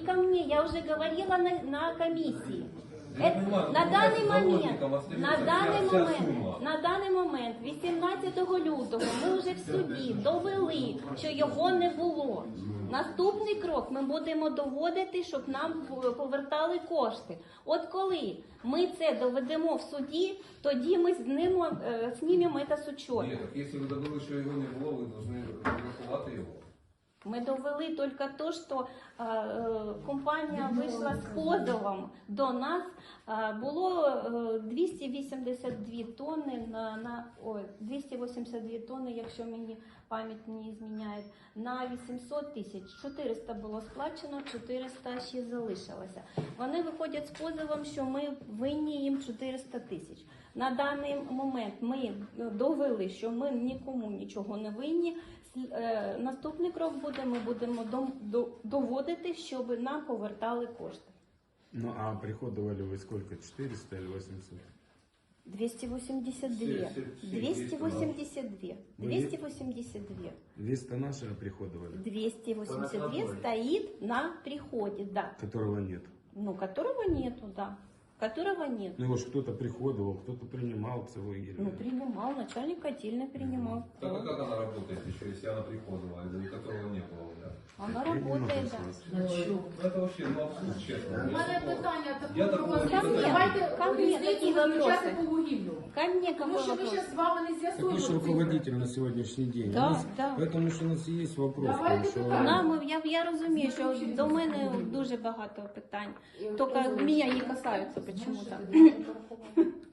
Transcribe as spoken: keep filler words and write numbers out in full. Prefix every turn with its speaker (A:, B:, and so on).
A: ко мне, я уже говорила на, на комиссии.
B: Я
A: Это,
B: понимаю,
A: на
B: ну,
A: даний
B: значит,
A: момент,
B: заложником остается
A: на даний
B: вся
A: момент,
B: сумма.
A: на даний момент, вісімнадцятого лютого, ми вже в суді довели, що його не було. Наступний крок ми будемо доводити, щоб нам повертали кошти. От коли ми це доведемо в суді, тоді ми знімемо, е, знімемо це з учету.
B: Ні, так якщо ви довели, що його не було, ви повинні врахувати його.
A: Мы довели только то, что э, компанія вийшла з позовом до нас. Э, було э, двісті вісімдесят дві тонни на, на ой, двісті вісімдесят дві тонни, якщо мені пам'ять не зміняє, на вісімсот тисяч. чотириста було сплачено, чотириста ще залишилося. Вони виходять з позовом, що ми винні їм чотириста тисяч. На даний момент ми довели, що ми нікому нічого не винні. Наступний крок буде, ми будемо доводити, щоб нам повертали кошти.
C: Ну а приходовали вы сколько? четыреста или восемьсот?
A: двісті вісімдесят два. двісті вісімдесят два. двісті вісімдесят два.
C: двести наши приходовали?
A: двісті вісімдесят два стоит на приходе, да.
C: Которого нет.
A: Ну, которого нету, да. Которого нет.
C: Ну его ж кто-то приходовал, кто-то принимал целую ель.
A: Ну, принимал, начальник котельной принимал.
B: Так а как она работает еще, если она приходила, из-за которого не было, да?
A: Она работает, да.
B: Ну, это вообще, ну, абсурд, честно.
D: У мене питання
B: Я
D: таке
B: такого
D: пропозицію.
B: не знаю.
D: Давайте
A: Ко мне
D: різницю
A: такі
D: виключати
A: вопроси.
D: по вугіллю.
A: Ко мне
D: Тому
A: какой
D: що ми
A: вопрос?
D: ще з вами не
C: Так вы
D: з'ясуємо
C: же
D: цифри.
C: руководитель на сегодняшний день.
A: Да,
C: У нас-
A: да.
C: Поэтому что у нас есть вопрос.
D: Давайте
C: потому что-
D: питання.
A: Нам, я, я розумію, що до мене дуже багато питань. Тільки мене не касаються почему-то.